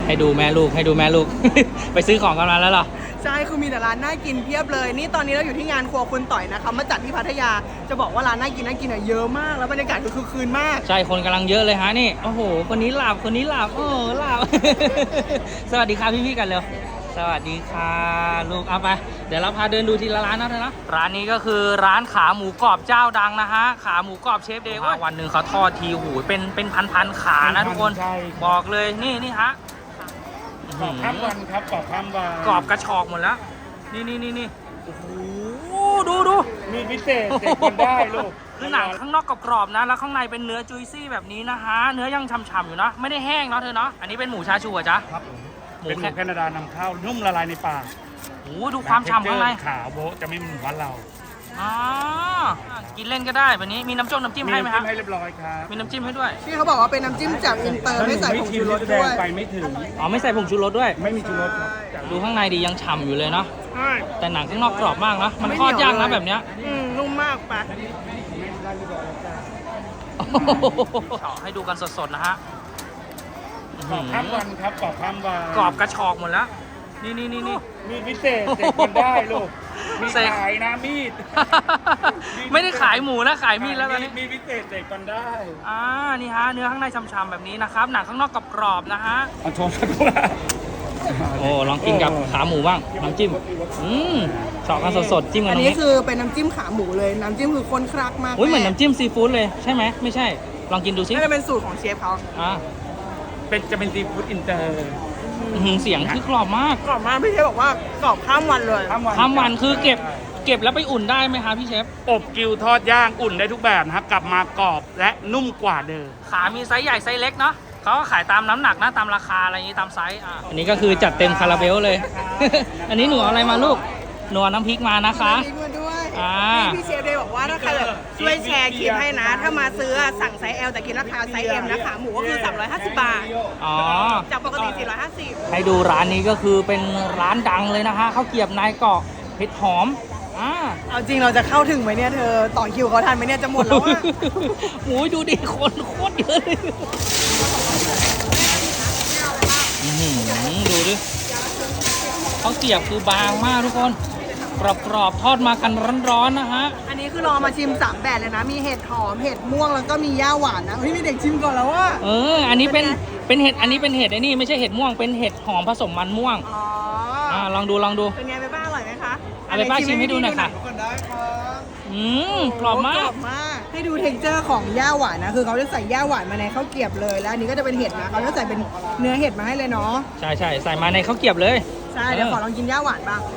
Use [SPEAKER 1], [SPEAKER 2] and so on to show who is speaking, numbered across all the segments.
[SPEAKER 1] ให้ดูแม่ลูกให้ดูแม่ลูก ไปซื้อของกันมาแล้วเหรอ
[SPEAKER 2] ใช่คือมีแต่ร้านน่ากินเพียบเลยนี่ตอนนี้เราอยู่ที่งานครัวคุณต่อยนะคะมาจัดที่พัทยาจะบอกว่าร้านน่ากินเยอะมากแล้วบรรยากาศคือคึกคืนมาก
[SPEAKER 1] ใช่คนกำลังเยอะเลยฮะนี่โอ้โหคนนี้หลับคนนี้หลับโอ้หลับ สวัสดีค่ะพี่ๆกันเร็วสวัสดีค่ะลูกเอาไปเดี๋ยวเราพาเดินดูทีละร้านนะเธอนะร้านนี้ก็คือร้านขาหมูกรอบเจ้าดังนะฮะขาหมูกรอบเชฟเดย์วันหนึ่งเขาทอดทีหูเป็นพันขานะทุกคนบอกเลยนี่ฮะ
[SPEAKER 3] กรอบข้ามวันครับกรอบข้ามวัน
[SPEAKER 1] กรอบกระชอกหมดแล้วนี่โอ้โหดู
[SPEAKER 3] มีพิเศษเด็กมันได้ลูก
[SPEAKER 1] คือหนังข้างนอกกรอบๆนะแล้วข้างในเป็นเนื้อจุยซี่แบบนี้นะฮะเนื้อยังฉ่ำๆอยู่นะไม่ได้แห้งเนาะเธอเนาะอันนี้เป็นหมูชาชูอ่ะจ๊ะ
[SPEAKER 3] ครับเป็นหมูแคนาดานำเข้านุ่มละลายในปาก
[SPEAKER 1] โอ้ดูความฉ่ำข้างใน
[SPEAKER 3] ขาวโบ๊ะจะไม่เหมือนบ้านเรา
[SPEAKER 1] กินเล่นก็ได้แบบนี้มีน้ำจิ้มให้ไหมครับ
[SPEAKER 3] ให้เรียบร้อยครับ
[SPEAKER 1] มีน้ำจิ้มให้ด้วย
[SPEAKER 2] ที่เขาบอกว่าเป็นน้ำจิ้มจากอินเตอร์ไม่ใส่ผงชูรสด้วย
[SPEAKER 3] ไปไม่ถึง
[SPEAKER 1] ไม่ใส่ผงชูรสด้วย
[SPEAKER 3] ไม่มีชูรสครับ
[SPEAKER 1] ดูข้างในดียังฉ่ำอยู่เลยเนาะแต่หนังข้างนอกกรอบมากนะมันทอดยากนะแบบเนี้ย
[SPEAKER 2] นุ่มมากปะ
[SPEAKER 1] ให้ดูกันสดๆนะฮะ
[SPEAKER 3] กรอบข้ามวันครับกรอบข้ามวัน
[SPEAKER 1] กรอบกระชอกหมดแล้วนี่
[SPEAKER 3] มีพิเศษเด็กมันได้ลูกมีขายนะมีด
[SPEAKER 1] ไม่ได้ขายหมูนะขายมีดแล้วตอนนี้
[SPEAKER 3] มีพิเศษเด็กมันได้
[SPEAKER 1] นี่ฮะเนื้อข้างในฉ่ำๆแบบนี้นะครับหนังข้างนอกกรอบๆนะฮะ
[SPEAKER 3] อันชมสักครู่
[SPEAKER 1] โอ้ลองกินกับขาหมูบ้างน้ำจิ้มสอกกันสดๆจิ้มกันตรงนี้
[SPEAKER 2] อันนี้คือเป็นน้ำจิ้มขาหมูเลยน้ำจิ้มคือข้นคลักมาก
[SPEAKER 1] เหมือนน้ำจิ้มซีฟู้ดเลยใช่ไหมไม่ใช่ลองกินดูซิ
[SPEAKER 2] น่าจะเป็นสูตรของเชฟเขา
[SPEAKER 3] จะเป็นซีฟู้ดอินเตอร์
[SPEAKER 1] เสียงคือกรอบมาก
[SPEAKER 2] พี่เชฟบอกว่ากรอบข้ามวันเลย
[SPEAKER 1] ข้ามวันคือเก็บแล้วไปอุ่นได้ไหมคะพี่เชฟ
[SPEAKER 3] อบกิวทอดย่างอุ่นได้ทุกแบบนะครับกลับมากรอบและนุ่มกว่าเดิม
[SPEAKER 1] ขามีไซส์ใหญ่ไซส์เล็กเนาะเขาก็ขายตามน้ำหนักนะตามราคาอะไรอย่างนี้ตามไซส์อันนี้ก็คือจัดเต็มคาราเบลเลย อันนี้หนูเอาอะไรมาลูกหนูน้ำพริกมานะคะ
[SPEAKER 2] พริกมาด้วยพี่เชฟเลยบอกว่าถ้าใครแบบช่วยแชร์คลิปให้นะถ้ามาซื้อสั่งไซส์ L แต่กินราคาไซส์ M นะคะหมูก็คือ350 บาทจากปกติ450
[SPEAKER 1] ให้ดูร้านนี้ก็คือเป็นร้านดังเลยนะคะข้าวเกรียบนายเกาะเผ็ดหอม
[SPEAKER 2] เอาจริงเราจะเข้าถึงไหมเนี่ยเธอต่อคิวเขาทันไหมเนี่ยจะหมดแล้วอ่ะ
[SPEAKER 1] โอ้ยดูดิคนโคตรเยอะเลยดูดิข้าวเกรียบคือบางมากทุกคนกรอบทอดมากันร้อนๆนะฮะ
[SPEAKER 2] อันนี้คือรอมาชิม3แบบเลยนะมีเห็ดหอมเห็ดม่วงแล้วก็มีย่าหวานนะพี่มีเด็กชิมก่อนแล้วว่า
[SPEAKER 1] อันนี้เป็นเห็ดอันนี้เป็นเห็ดไอ้นี่ไม่ใช่เห็ดม่วงเป็นเห็ดหอมผสมมันม่วงลองดู
[SPEAKER 2] เป็นไงไปบ้างอร่อยไหมคะ
[SPEAKER 1] เอาไปป้าชิมให้ดูหน่อยค่ะกรอบมาก
[SPEAKER 2] ให้ดูเท็กเจอร์ของย่าหวานนะคือเขาจะใส่ย่าหวานมาในข้าวเกรียบเลยแล้วอันนี้ก็จะเป็นเห็ดนะเขาจะใส่เป็นเนื้อเห็ดมาให้เลยเนาะ
[SPEAKER 1] ใช่ใส่มาในข้าวเกรียบเลย
[SPEAKER 2] ใช่เดี๋ยวขอลองกินย่าหวานบ้าง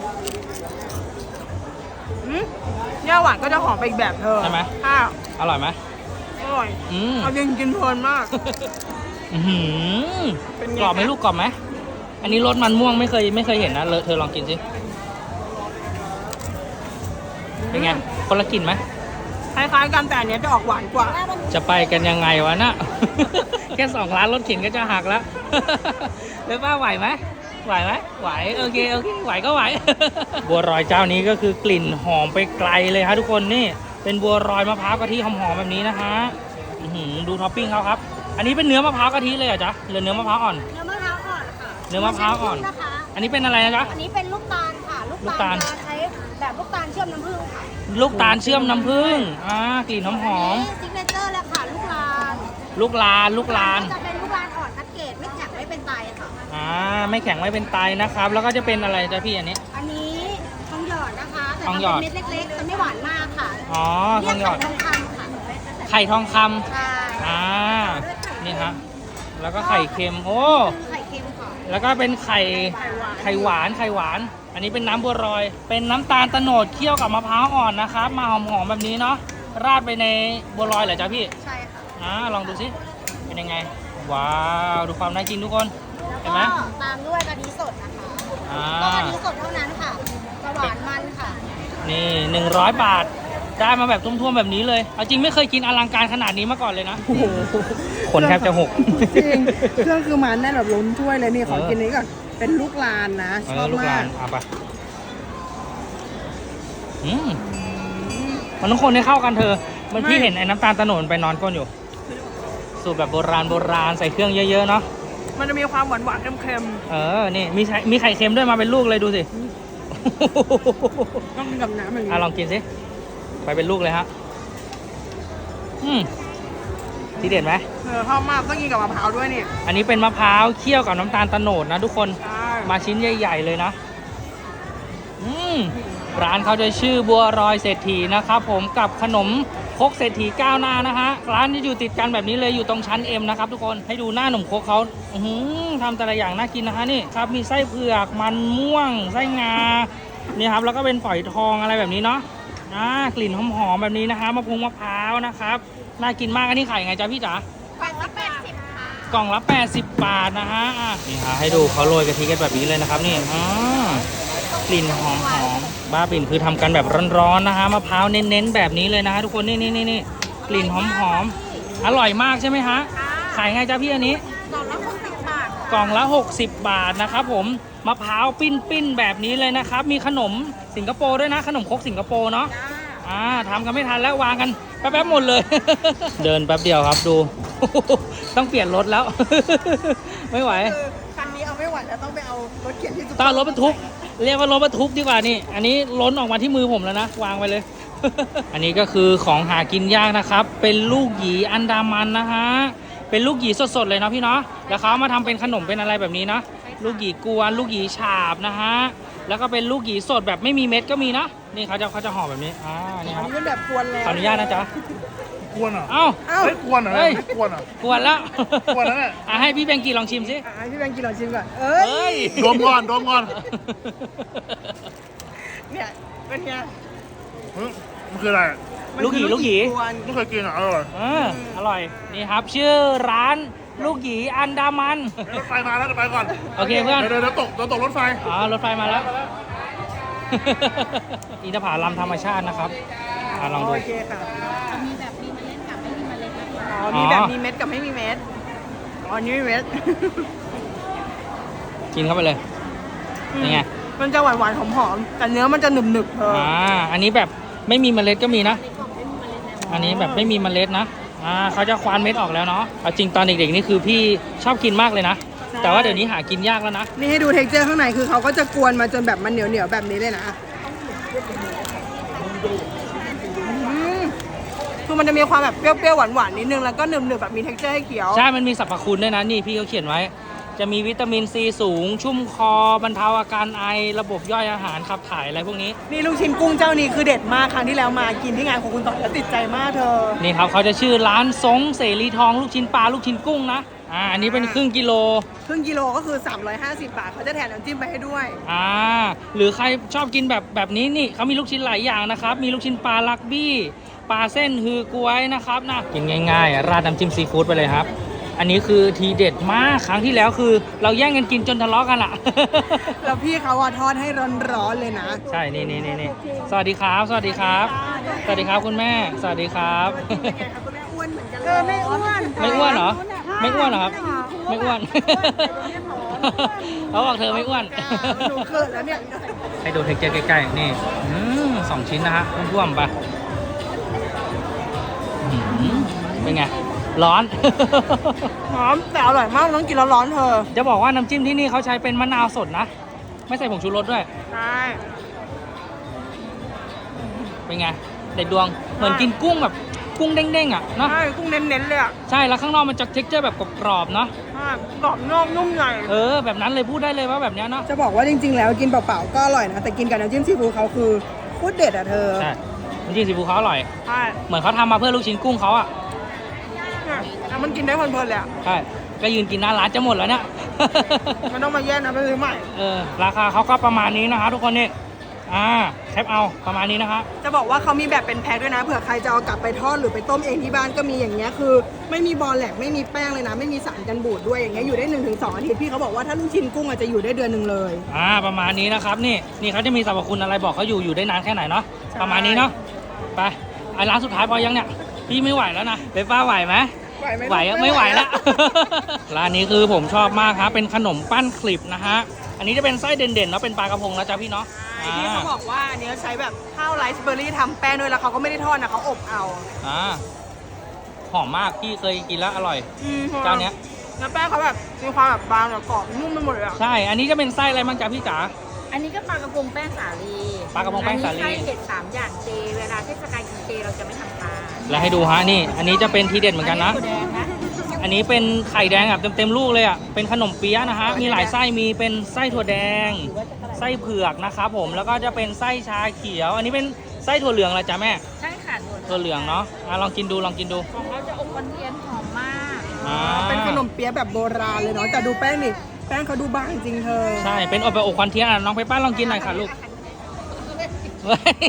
[SPEAKER 2] ย่าหวานก็จะหอมไปอีกแบบเธอ
[SPEAKER 1] ใช่ไหมอร่อยไหม
[SPEAKER 2] อร่อยเอาจริงกินเพลินมาก
[SPEAKER 1] กรอบไหมลูกกรอบไหมอันนี้รสมันม่วงไม่เคยเห็นนะเธอลองกินสิเป็นไงคนละกลิ่นไหม
[SPEAKER 2] คล้ายๆกันแต่อันนี้จะออกหวานกว่า
[SPEAKER 1] จะไปกันยังไงวะน่ะ แค่2 ร้านรถเข็นก็จะหักแล้วเลยป้าไหวไหมไหวโอเคไหวก็ไหว บัวรอยเจ้านี้ก็คือกลิ่นหอมไปไกลเลยฮะทุกคนนี่เป็นบัวรอยมะพร้าวกะทิหอมๆแบบนี้นะฮะดูท็อปปิ้งเขาครับอันนี้เป็นเนื้อมะพร้าวกะทิเลยเหรอจ๊ะหรือเนื้อมะพร้าวอ่อน
[SPEAKER 4] เนื้อมะพร้าวอ่อนค่ะ
[SPEAKER 1] เนื้อมะพร้าวอ่อนอันนี้เป็นอะไรนะจ๊ะ
[SPEAKER 4] อันนี้เป็นลูกตาลค่ะลูกตาลใช้แบบลูกตาลเชื่อมน้ำผึ้งค่ะ
[SPEAKER 1] ลูกตาลเชื่อมน้ำผึ้งกลิ่นหอม
[SPEAKER 4] ซิกเนเจอร์เลยค่ะลูกลาน
[SPEAKER 1] จะเป็นลูกลาน
[SPEAKER 4] อ่อนคัดเกรดไม่แข็งไม่เป็นไตค่ะ
[SPEAKER 1] ไม่แข็งไม่เป็นไตนะครับแล้วก็จะเป็นอะไรจ๊ะพี่อันนี้
[SPEAKER 4] ทองหยอดนะคะ
[SPEAKER 1] ทองหยอด
[SPEAKER 4] เม็ดเล็กๆจะไม่หวานมากค่ะ
[SPEAKER 1] ทองหยอด
[SPEAKER 4] ทองคำค่ะ
[SPEAKER 1] ไข่ทองคำนี่ฮะแล้วก็ไข่เค็ม
[SPEAKER 4] ไข่เค็มค่ะ
[SPEAKER 1] แล้วก็เป็นไข่หวานอันนี้เป็นน้ำบัวรอยเป็นน้ำตาลโตนดเคี่ยวกับมะพร้าวอ่อนนะครับมาหอมๆแบบนี้เนาะราดไปในบัวรอยเหรอจ๊ะพี่
[SPEAKER 4] ใช่ค่ะ
[SPEAKER 1] ลองดูสิเป็นยังไงว้าวดูความน่ากินทุกคนเห็นไหม
[SPEAKER 4] ตามด้วยกะทิสดนะคะก็กะทิสดเท่านั้นค่ะจะหวานมันค่ะ
[SPEAKER 1] นี่100 บาทได้มาแบบท่วมๆแบบนี้เลยเอาจริงไม่เคยกินอลังการขนาดนี้มาก่อนเลยนะคนแทบจะหก
[SPEAKER 2] จริงเครื่องคือมันแน่นแบบล้นถ้วยเลยนี่ขอกินนี้ก่อนเป็นลูกลานนะชอบมาก
[SPEAKER 1] เอาไปมันต้องคนให้เข้ากันเธอมันพี่เห็นไอ้น้ำตาลโตนดไปนอนก้นอยู่สูตรแบบโบราณใส่เครื่องเยอะๆเนาะ
[SPEAKER 2] มันจะมีความหวานๆเค็ม
[SPEAKER 1] นี่มีไข่เค็มด้วยมาเป็นลูกเลยดูสิ
[SPEAKER 2] ๆต้องกินกับน้ำอย่างนี้
[SPEAKER 1] ลองกินสิไปเป็นลูกเลยฮะทีเด็ดไหม
[SPEAKER 2] ชอบมากต้องกินกับมะพร้าวด้วยนี่
[SPEAKER 1] อันนี้เป็นมะพร้าวเคี่ยวกับน้ำตาลโตนดนะทุกคน
[SPEAKER 2] ใช่
[SPEAKER 1] มาชิ้นใหญ่ๆเลยนะร้านเขาจะชื่อบัวรอยเศรษฐีนะครับผมกับขนมครกเศรษฐีก้าวหน้านะฮะร้านจะอยู่ติดกันแบบนี้เลยอยู่ตรงชั้น M นะครับทุกคนให้ดูหน้าหนมครกเขาทำแต่ละอย่างน่ากินนะฮะนี่ครับมีไส้เผือกมันม่วงไส้งานี่ครับแล้วก็เป็นฝอยทองอะไรแบบนี้เนาะกลิ่นหอมๆแบบนี้นะคะมะพร้าวนะครับน่ากินมากอันนี้ขายยังไงจ๊ะพี่จ๋า
[SPEAKER 4] กล่องละ80ค่ะ
[SPEAKER 1] กล่องละ80 บาทนะฮะนี่ฮะให้ดูเขาโรยกะทิกันแบบนี้เลยนะครับนี่กลิ่นหอมบ้าบิ่นคือทำกันแบบร้อนๆนะฮะมะพร้าวเน้นๆแบบนี้เลยนะฮะทุกคนนี่กลิ่นหอมอร่อยมากใช่ไหมฮะขายไงจ๊ะพี่อันนี้
[SPEAKER 2] กล่องละ60 บาท
[SPEAKER 1] กล่องละ 60 บาทนะครับผมมะพร้าวปิ้นแบบนี้เลยนะครับมีขนมสิงคโปร์ด้วยนะขนมครกสิงคโปร์เนาะทำกันไม่ทันแล้ววางกันแป๊บๆหมดเลย เดินแป๊บเดียวครับดู ต้องเปลี่ยนรถแล้ว ไม่ไหว
[SPEAKER 2] คือคันนี้เอาไม่ไหวแล้วต้องไปเอารถเข็นที่จุด
[SPEAKER 1] ต้องเอารถบรรทุกเรียกว่ารถบรรทุกดีกว่านี่อันนี้ล้นออกมาที่มือผมแล้วนะวางไปเลย อันนี้ก็คือของหากินยากนะครับเป็นลูกหยีอันดามันนะฮะเป็นลูกหยีสดๆเลยเนาะพี่เนาะแล้วเขามาทำเป็นขนมเป็นอะไรแบบนี้นะลูกหยีกวนลูกหยีฉาบนะฮะแล้วก็เป็นลูกหยีสดแบบไม่มีเม็ดก็มีนะนี่เขาจะห่อแบบนี้นี่ค
[SPEAKER 2] อั
[SPEAKER 1] รั
[SPEAKER 2] น
[SPEAKER 1] บ
[SPEAKER 2] นี้เป็นแบบกวนแล้ว
[SPEAKER 1] ขออนุญาตนะจ๊ะ
[SPEAKER 3] กวนเหรอ
[SPEAKER 1] เอ้า
[SPEAKER 3] เฮ้ยกวนเหรอ
[SPEAKER 1] เฮ้ย
[SPEAKER 3] ไม่กวนเหรอก
[SPEAKER 1] วนแล้ว
[SPEAKER 3] กวนแล้วเนี่ย
[SPEAKER 1] ให้พี่แบงกี้ลองชิมสิ
[SPEAKER 2] ให้พี่แบงค์กินลองชิมก่อน
[SPEAKER 1] เฮ้ย
[SPEAKER 3] ดมก่อนดมก่อน
[SPEAKER 2] เนี่ยเป็นไง
[SPEAKER 3] มันคืออะไร
[SPEAKER 1] ลูกหยีลูกหยี
[SPEAKER 2] กวน
[SPEAKER 3] ไม่เคยกินเหรออร่อย
[SPEAKER 1] อร่อยนี่ครับชื่อร้านลูกหยีอันดามัน
[SPEAKER 3] รถไฟมาแล้วเดี๋ยวไปก่อน
[SPEAKER 1] โอเคเพื่อน
[SPEAKER 3] เดี๋ยวตกรถไฟ
[SPEAKER 1] รถไฟมาแล้ว อินทผลัมธรรมชาตินะครับลองดู
[SPEAKER 2] โอเคค่ะ
[SPEAKER 4] มีแบบมีเมล็ดกับไม่มีเมล็ดนะคะ
[SPEAKER 2] อ๋อมีแบบมีเม็ดกับไม่มีเม็ดอ๋อนี่มีเม็ด
[SPEAKER 1] กินเข้าไปเลยเป็นไง
[SPEAKER 2] มันจะหวานๆหอมๆแต่เนื้อมันจะหนึบๆเธอ
[SPEAKER 1] อันนี้แบบไม่มีเมล็ดก็มีนะ อันนี้แบบไม่มีเมล็ดนะเขาจะควานเม็ดออกแล้วเนาะเอาจริงตอนเด็กๆนี่คือพี่ชอบกินมากเลยนะแต่ว่าเดี๋ยวนี้หากินยากแล้วนะ
[SPEAKER 2] นี่ให้ดูเท็กเจอร์ข้างในคือเขาก็จะกวนมาจนแบบมันเหนียวๆแบบนี้เลยนะคือมันจะมีความแบบเปรี้ยวๆหวานๆนิดนึงแล้วก็หนึบๆแบบมีเท็กเจอร์ให้เคี้ยว
[SPEAKER 1] ใช่มันมีสรรพคุณด้วยนะนี่พี่เขาเขียนไว้ จะมีวิตามินซีสูง ชุ่มคอบรรเทาอาการไอระบบย่อยอาหารขับถ่ายอะไรพวกนี้
[SPEAKER 2] นี่ลูกชิ้นกุ้งเจ้านี้คือเด็ดมากครั้งที่แล้วมากินที่งานของคุณต่อแล้วติดใจมากเธอ
[SPEAKER 1] นี่ครับเขาจะชื่อร้านซงเสรีทองลูกชิ้นปลาลูกชิ้นกุ้งนะอันนี้เป็นครึ่งกิโล
[SPEAKER 2] ครึ่งกิโลก็คือ350 บาทเขาจะแถมน้ำจิ้มไปให้ด้วย
[SPEAKER 1] หรือใครชอบกินแบบนี้นี่เขามีลูกชิ้นหลายอย่างนะครับมีลูกชิ้นปลาลักบี้ปลาเส้นฮือกล้วยนะครับนะกินง่ายๆราดน้ำจิ้มซีฟู้ดไปเลยครับอันนี้คือทีเด็ดมากครั้งที่แล้วคือเราแย่งกันกินจนทะเลาะกันอะ
[SPEAKER 2] แล้วพี่เขาทอดให้ร้อนๆเลยนะ
[SPEAKER 1] ใช่นี่สวัสดีครับ สวัสดีครับ สวัสดีครับคุณแม่ สวัสดีครับ
[SPEAKER 2] เออไม่อ้วน
[SPEAKER 1] ไม่อ้วนเหรอ ไม่อ้วนเหรอครับ ไม่อ้วน เขาบอกเธอไม่อ้วน
[SPEAKER 2] หนูเกิดแล้วเนี่ย
[SPEAKER 1] ให้ดูเทคเจอร์ใกล้ๆนี่2 ชิ้นนะฮะท่วมๆไปเป็นไง ร้อน
[SPEAKER 2] หอมแต่อร่อยมากต้องกินร้อนๆเธอ
[SPEAKER 1] จะบอกว่าน้ำจิ้มที่นี่เขาใช้เป็นมะนาวสดนะ ไม่ใส่ผงชูรสด้วย
[SPEAKER 2] ใช่
[SPEAKER 1] เป็นไง เด็ดดวง เหมือนกินกุ้งแบบกุ้งเด้งๆอ่ะเนาะ
[SPEAKER 2] ใช่กุ้งเน้นๆเลยอ่ะ
[SPEAKER 1] ใช่ แล้วข้างนอกมันจะเท็กเจอร์แบบกรอบๆเนาะ
[SPEAKER 2] ใช่กรอบนอกนุ่มใน
[SPEAKER 1] แบบนั้นเลยพูดได้เลยว่าแบบเนี้ยเนาะ
[SPEAKER 2] จะบอกว่าจริงๆแล้วกินเปล่าๆก็อร่อยนะแต่กินกับน้ำจิ้มซีฟู้ดเขาคือโคตรเด็ดอ่ะเธอ
[SPEAKER 1] ใช่น้ำจิ้มซีฟู้ดเขาอร่อย
[SPEAKER 2] ใช่
[SPEAKER 1] เหมือนเขาทำมาเพื่อลูกชิ้นกุ้งเขาอ่ะ
[SPEAKER 2] แล้วมันกินได้เพลินๆเลยอ่ะ
[SPEAKER 1] ใช่ ก็ยืนกินหน้าร้านจะหมดแล้วเนี่ย
[SPEAKER 2] มันต้องมาแย่งนะไปซื้อใหม่
[SPEAKER 1] ราคาเขาก็ประมาณนี้นะคะทุกคนนี่แคปเอาประมาณนี้นะคะ
[SPEAKER 2] จะบอกว่าเขามีแบบเป็นแพ็คด้วยนะเผื่อใครจะเอากลับไปทอดหรือไปต้มเองที่บ้านก็มีอย่างเงี้ยคือไม่มีบอลแหลกไม่มีแป้งเลยนะไม่มีสารกันบูดด้วยอย่างเงี้ยอยู่ได้ 1-2 อาทิตย์พี่เขาบอกว่าถ้าลูกชิ้นกุ้งอาจจะอยู่ได้เดือนหนึ่งเลย
[SPEAKER 1] ประมาณนี้นะครับนี่เขาจะมีสรรพคุณอะไรบอกเขาอยู่ได้นานแค่ไหนเนาะ
[SPEAKER 2] ใช่
[SPEAKER 1] ประมาณนี้เนาะไปร้านสุดท้ายพอยังเนี่ยพี่ไม่ไหวแล้วนะเบฟ้าไหวไหม ไหวอะไม่ไหวแล้ว ร้านนี้คือผมชอบมากครับเป็นขนมปั้นคลิปนะฮะอันนี้จะเป็นไส้เด่นๆแล้วเป็นปลากระพงนะจ๊ะพี่เนาะ
[SPEAKER 2] ที่เขาบอกว่าอันนี้ใช้แบบข้าวไรซ์เบอร์รี่ทำแป้งด้วยแล้วเขาก็ไม่ได้ทอดนะเขาอบเอา
[SPEAKER 1] หอมมากพี่เคยกินแล้วอร่อยเจ้าเนี้ย
[SPEAKER 2] แล้วแป้งเขาแบบมีความแบบบางแบบกรอบนุ่มไปหมดเลยอะ
[SPEAKER 1] ใช่ อันนี้จะเป็นไส้อะไรบ้างจ๊ะพี่จ๋า
[SPEAKER 4] อันนี้ก็ปลากระพงแป้งสาลี
[SPEAKER 1] ปลากระพงแป้งสาลี
[SPEAKER 4] อันนี้ไส้เห็ด3 อย่างเจ เวลาเทศกาลกินเจเราจะไม่ทำปลา
[SPEAKER 1] แล้วให้ดูฮะนี่ อันนี้จะเป็นทีเด็ดเหมือนกันนะ
[SPEAKER 4] ถั่วแดงนะ
[SPEAKER 1] อันนี้เป็นไข่แดงแบบเต็มๆลูกเลยอ่ะ เป็นขนมเปี๊ยะนะฮะ มีหลายไส้ มีเป็นไส้ถั่วแดง ไส้เผือกนะครับผม แล้วก็จะเป็นไส้ชาเขียว อันนี้เป็นไส้ถั่วเหลืองเหรอจ๊ะแม่
[SPEAKER 4] ใช่ค่ะ
[SPEAKER 1] ถั่วเหลืองเนาะลองกินดู ลองกินดู
[SPEAKER 4] ของเราจะอบควันเทียนหอมมาก
[SPEAKER 1] อ่า
[SPEAKER 2] เป็นขนมเปี๊ยะแบบโบราณเลยเนาะแต่ดูแป้งนี่แป้งเขาดูบางจริงเธอ
[SPEAKER 1] ใช่ เป็นอบแบบอบควันเทียนอ่ะน้องไปป้าลองกินหน่อยค่ะลูก เฮ้ย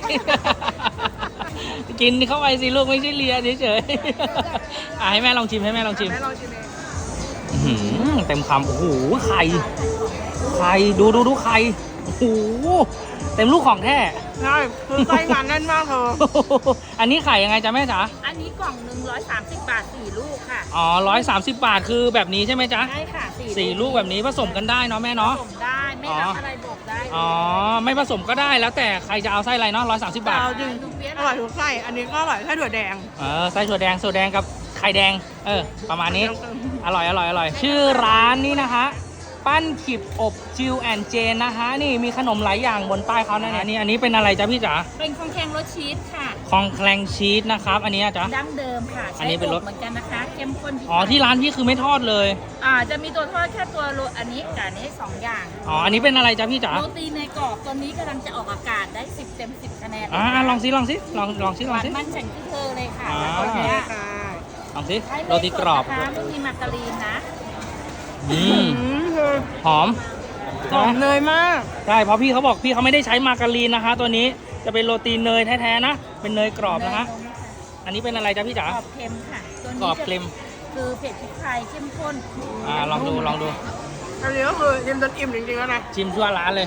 [SPEAKER 1] กินเข้าไปสิลูกไม่ใช่เลียเฉยๆให้แม่ลองชิมให้แม่ลองชิม
[SPEAKER 2] แม่ลองชิมเอง
[SPEAKER 1] อื้อหือเต็มคำโอ้โหไข่ดูไข่โอ้โหเต็มลูกของแท้
[SPEAKER 2] ใช่คือไส้งานแน่นมากเธอ
[SPEAKER 1] อันนี้ไข่ยังไงจ๊ะแม่จ๋า
[SPEAKER 4] อันนี้กล่องหนึ่ง130 บาท 4 ลูกค่ะ
[SPEAKER 1] อ๋อ130 บาทคือแบบนี้ใช่ไหมจ๊ะ
[SPEAKER 4] ใช่ค่ะ
[SPEAKER 1] สี่ลูกแบบนี้ผสมกันได้เนาะแม่เนาะ
[SPEAKER 4] ผสมได้ ไม่รับอะไรบอกได้
[SPEAKER 1] อ๋อไม่ผสมก็ได้แล้วแต่ใครจะเอาไส้อะไรเนาะ130 บาท
[SPEAKER 2] เอาจริง
[SPEAKER 4] ลูกเปี๊ยะ
[SPEAKER 2] อร่อยทุกไส้อันนี้ก็อร่อยไส้ถั่วแดง
[SPEAKER 1] ไส้ถั่วแดงกับไข่แดงประมาณนี้อร่อยชื่อร้านนี้นะคะปั้นขิบอบจิวแอนเจนนะคะนี่มีขนมหลายอย่างบนป้ายเขานะเนี่ยอันนี้เป็นอะไรจ๊ะพี่จ๋า
[SPEAKER 4] เป็นคองแคงรสชีสค่ะ
[SPEAKER 1] คองแคลงชีสนะครับอันนี้อะจ๊ะ
[SPEAKER 4] ดั้งเดิมค่ะ
[SPEAKER 1] อันนี้เป็นรส
[SPEAKER 4] ใช้อบเหมือนกันนะคะ เข้มข้น
[SPEAKER 1] อ๋อที่ร้านพี่คือไม่ทอดเลย
[SPEAKER 4] จะมีตัวทอดแค่ตัวโรอันนี้กับอันนี้2 อย่าง
[SPEAKER 1] อ๋ออันนี้เป็นอะไรจ๊ะพี่จ๋า
[SPEAKER 4] โรตีในกรอบตัวนี้กำลังจะออกอากาศได้10 เต็ม 10 คะแนน
[SPEAKER 1] ลองสิลองสิ
[SPEAKER 4] หวานมันแข็งที่เธอเลยค่ะ
[SPEAKER 1] อ่า
[SPEAKER 4] แล้วตัวเนี้ย
[SPEAKER 2] ค่ะ
[SPEAKER 1] ลองสิ
[SPEAKER 4] ใช้
[SPEAKER 1] โรตีกรอบ
[SPEAKER 4] เนยสดนะคะไม่มีมาการีนนะ
[SPEAKER 1] อืม
[SPEAKER 2] เธอ
[SPEAKER 1] หอม
[SPEAKER 2] กรอบเนยมาก
[SPEAKER 1] ใช่เพราะพี่เขาบอกพี่เขาไม่ได้ใช้มาการีนนะคะ ตัวนี้จะเป็นโรตีเนยแท้ๆนะเป็นเนยกรอบนะคะอันนี้เป็นอะไรจ๊ะพี่จ๋าก
[SPEAKER 4] รอบเค็มค่ะ ตัว
[SPEAKER 1] กร
[SPEAKER 4] นี้
[SPEAKER 1] อบเค็ม
[SPEAKER 4] คือเผ็ดพริกไทยเข้มข้น
[SPEAKER 1] ลองดู
[SPEAKER 2] อันนี้ก็คือยิ้มจนอิ่มจริงๆแล้วนะ
[SPEAKER 1] ชิมทั่วร้านเลย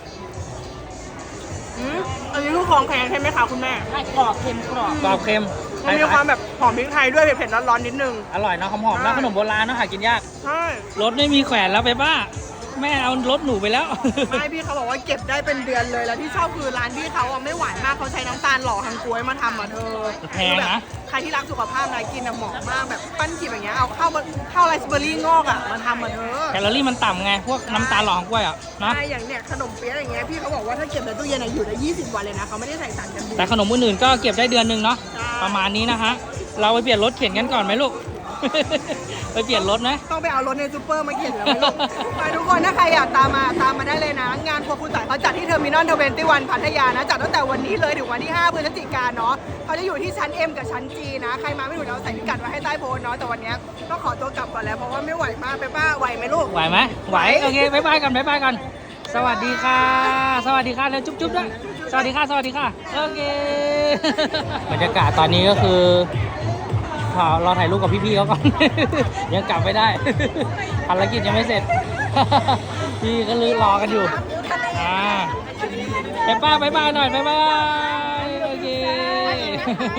[SPEAKER 2] อันนี้คือของแข็งใช่ไหมคะคุณแม่
[SPEAKER 4] ใช่กรอบเค็มกรอบ
[SPEAKER 1] กรอบเค็ม
[SPEAKER 2] มันมีความแบบหอมพริกไทยด้วยเผ็ดๆร้อนๆนิดนึง
[SPEAKER 1] อร่อยเนาะหอมๆแล้วขนมโบราณเนาะหากินยาก
[SPEAKER 2] ใช่
[SPEAKER 1] รถไม่มีแขวนแล้วไปป้าแม่เอารถหนูไปแล้ว
[SPEAKER 2] ไม่พี่เขาบอกว่าเก็บได้เป็นเดือนเลยแล้วที่ชอบคือร้านพี่เขาอะไม่หวานมากเขาใช้น้ำตาลหล่อทางกล้วยมาทำอ่ะเธอ
[SPEAKER 1] แพงนะ
[SPEAKER 2] ใครที่รักสุขภาพนะกินอะเหมาะมากแบบปั้นขีบอย่างเงี้ยเอาข้าวไรซ์เบอร์รี่งอกอ่ะมาทำอ่ะเธอ
[SPEAKER 1] แคลอรี่มันต่ำไงพวกน้ำตาลหล่อของกล้วยอ่ะนะ
[SPEAKER 2] ใช่อย่างเนี้ยขนมเปี๊ยะอย่างเงี้ยพี่เขาบอกว่าถ้าเก็บในตู้เย็นอะอยู่ได้20 วันเลยนะเขาไม่ได้ใส่สารกันบูด
[SPEAKER 1] แต่ขนมอื่นๆก็เก็บได้เดือนหนึงเนาะ
[SPEAKER 2] ใช่
[SPEAKER 1] ประมาณนี้นะฮะเราไปเปลี่ยนรถเข็นกันก่อนไหมลูก ไปเปลี่ยนรถไหม
[SPEAKER 2] ต้องไปเอารถในซูเปอร์มาเข็นแล้วไม่รู้ ไปทุกคนถ้าใครอยากตามมาได้เลยนะ งานครัวคุณต่ายเขาจัดที่เทอร์มินอล21พัทยานะจัดตั้งแต่วันนี้เลยถึงวันที่5 พฤศจิกายนเนาะเขาจะอยู่ที่ชั้น M กับชั้น G นะใครมาไม่ถูกเราใส่พิกัดไว้ให้ใต้โพสต์เนาะแต่วันเนี้ยต้องขอตัวกลับก่อนแล้วเพราะว่าไม่ไหวมากไปป้าไหวไหมลูก
[SPEAKER 1] ไหวไหมไหวโอเคบ๊ายบายกัน สวัสดีค่ะ สวัสดีค่ะแล้วจุ๊บๆด้วยสวัสดีค่ะโอเค บรรยากาศตอนนี้ก็คือรอถ่ายรูปกับพี่ๆเขาก่อน ยังกลับไม่ได้ ภารกิจยังไม่เสร็จ พี่ก็ลือรอกันอยู่ไปป้าบ๊ายบายหน่อยบ๊ายบายโอเค